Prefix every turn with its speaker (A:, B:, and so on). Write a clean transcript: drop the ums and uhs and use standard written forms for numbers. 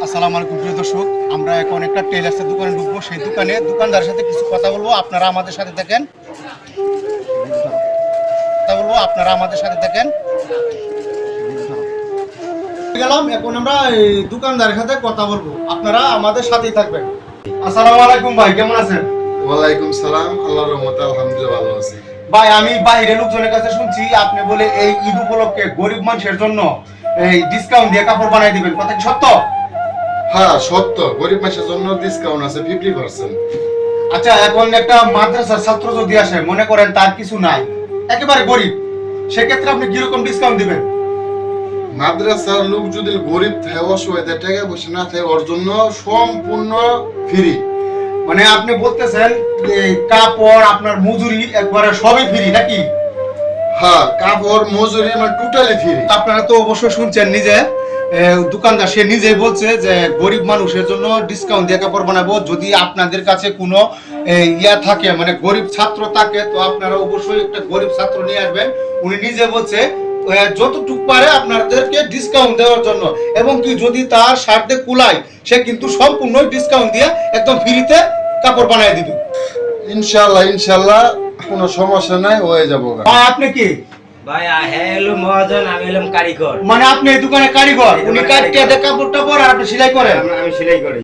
A: আসসালামু আলাইকুম প্রিয় দর্শক, আমরা এখন একটা টেলার্সের দোকানে ঢুকবো। সেই দোকানে দোকানদারের সাথে কিছু কথা বলবো, আপনারা আমাদের সাথে থাকেন। গেলাম, এখন আমরা এই দোকানদারের সাথে কথা বলবো, আপনারা আমাদের সাথেই থাকবেন। আসসালামু আলাইকুম ভাই, কেমন আছেন?
B: ওয়ালাইকুম সালাম, আল্লাহর রহমতে আলহামদুলিল্লাহ ভালো আছি।
A: ভাই, আমি বাইরের লোকজনের কাছে শুনছি আপনি বলে এই ঈদ উপলক্ষে গরিব মানুষের জন্য এই ডিসকাউন্ট দিয়ে কাপড় বানাই দিবেন, কথা কি সত্য?
B: হ্যাঁ সত্য, গরিব মানুষের জন্য ডিসকাউন্ট আছে 50%।
A: আচ্ছা, এখন একটা মাদ্রাসার ছাত্র যদি আসে, মনে করেন তার কিছু নাই, একেবারে গরিব, সেক্ষেত্রে আপনি কিরকম ডিসকাউন্ট দিবেন?
B: মাদ্রাসার লোক যদি গরিব থাকে, অসহায় থাকে, টাকা পয়সা না থাকে, ওর জন্য সম্পূর্ণ ফ্রি।
A: মানে আপনি বলতেছেন যে কাপড়, আপনার মজুরি একবারে সবই ফ্রি নাকি?
B: হ্যাঁ, কাপড় মজুরি মানে টোটালি ফ্রি।
A: আপনারা তো অবশ্যই শুনছেন, নিজে দোকানদার সে নিজেই বলছে যে গরিব মানুষের জন্য ডিসকাউন্ট দিয়ে কাপড় বানাবো। যদি আপনাদের কাছে কোনো ইয়া থাকে, মানে গরিব ছাত্র থাকে, তো আপনারা অবশ্যই একটা গরিব ছাত্র নিয়ে আসবেন। উনি নিজে বলছে যতটুকু পারে আপনাদেরকে ডিসকাউন্ট দেওয়ার জন্য, এবং কি যদি তার সাধ্যে কুলায়, সে কিন্তু সম্পূর্ণ ডিসকাউন্ট দিয়ে একদম ফ্রিতে কাপড় বানিয়ে দিবে।
B: ইনশাআল্লাহ ইনশাআল্লাহ, কোনো সমস্যা নাই, হয়ে যাবো।
A: ভাই, আপনি কি?
C: ভাই হ্যালো মহাজন, আমি হলাম কারিগর।
A: মানে আপনি এই দোকানে কারিগর, উনি কাটতে কাপড়টা পর আর আপনি সেলাই করেন?
C: আমি সেলাই করি।